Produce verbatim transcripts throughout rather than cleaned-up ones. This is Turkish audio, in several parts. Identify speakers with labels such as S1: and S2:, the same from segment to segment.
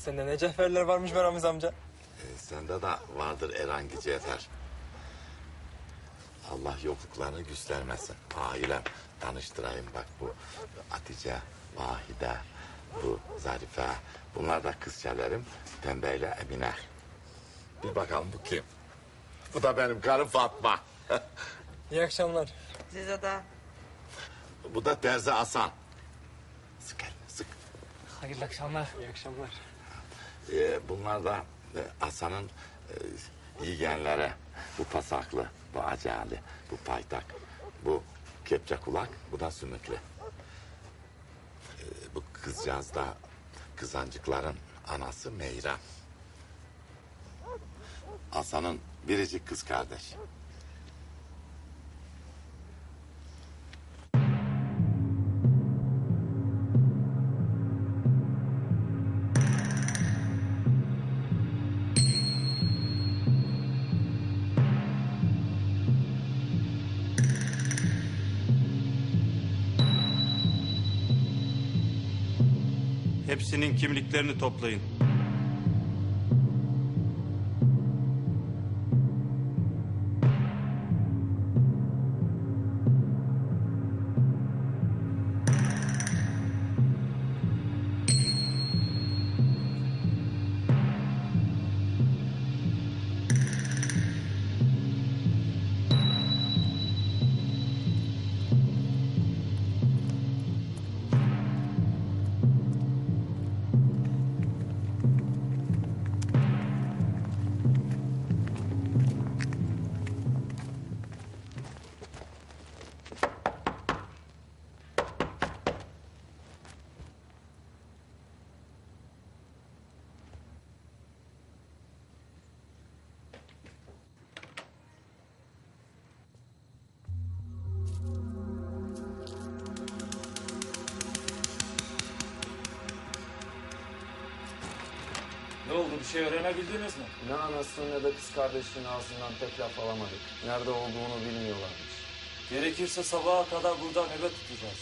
S1: Sende ne cevherler varmış be Ramiz amca.
S2: E, sende de vardır Erangi Cevher. Allah yokluklarını göstermesin. Ailem tanıştırayım bak bu Hatice, Vahide, bu Zarife. Bunlar da kızçelerim Pembe ile Emine. Bir bakalım bu kim? Bu da benim karım Fatma.
S1: İyi akşamlar.
S3: Size de.
S2: Bu da Terzi Hasan. Sık elini sık.
S1: Hayırlı akşamlar. İyi akşamlar.
S2: Ee, bunlar da e, Hasan'ın e, yeğenleri. Bu pasaklı, bu acali, bu paytak, bu kepçe kulak, bu da sümüklü. Ee, bu kızcağız da kızancıkların anası Meyrem. Hasan'ın biricik kız kardeş.
S4: Hepsinin kimliklerini toplayın.
S5: Ne oldu, bir şey öğrenebildiniz mi?
S6: Ne anasını ne de kız kardeşinin ağzından tek laf alamadık. Nerede olduğunu bilmiyorlarmış.
S5: Gerekirse sabaha kadar burada nöbet tutacağız.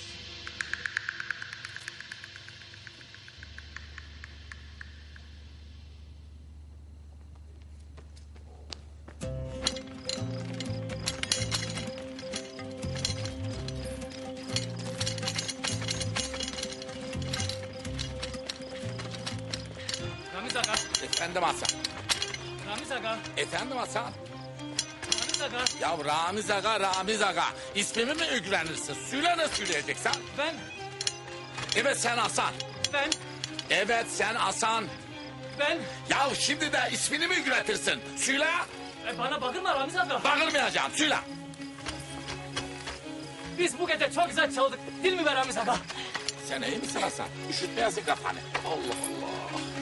S7: Ramiz Aga,
S2: Efendim Hasan.
S7: Ramiz Aga,
S2: Efendim Hasan.
S7: Ramiz Aga.
S2: Ya Ramiz Aga, Ramiz Aga. İsmimi mi üglenirsin? Söyle ne söyleyeceksen?
S7: Ben,
S2: Evet sen Hasan.
S7: ben,
S2: Evet sen Hasan.
S7: ben.
S2: Ya şimdi de ismini mi ügretirsin? Söyle.
S7: E bana bakırma Ramiz Aga.
S2: Bağırmayacağım. Söyle.
S7: Biz bu gece çok güzel çaldık. Değil mi be Ramiz Aga?
S2: Sen iyi misin Hasan? Üşütmeyesin kafanı. Allah Allah.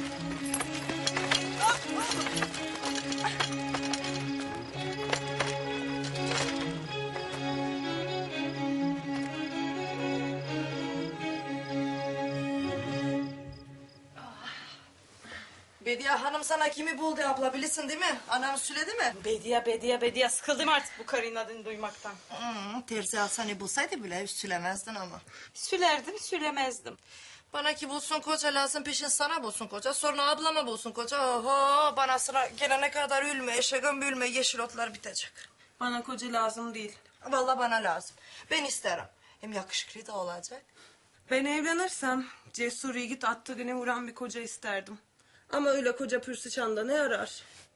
S3: Bediye Hanım sana kimi buldu abla bilirsin değil mi? Anam söyledi mi?
S8: Bediye, Bediye, Bediye. Sıkıldım artık bu karının adını duymaktan.
S3: Hmm, terzi Hasan'ı bulsaydı bile hiç söylemezdin ama.
S8: Sülerdim, sülemezdim.
S3: Bana ki bulsun koca lazım peşin sana bulsun koca. Sonra ablama bulsun koca. Oho bana sıra gelene kadar ülme eşeğim bülme yeşil otlar bitecek.
S8: Bana koca lazım değil.
S3: Vallahi bana lazım. Ben isterim. Hem yakışıklı da olacak.
S8: Ben evlenirsem cesur yiğit attığı güne vuran bir koca isterdim. Ama öyle koca pürsü çanda ne yarar?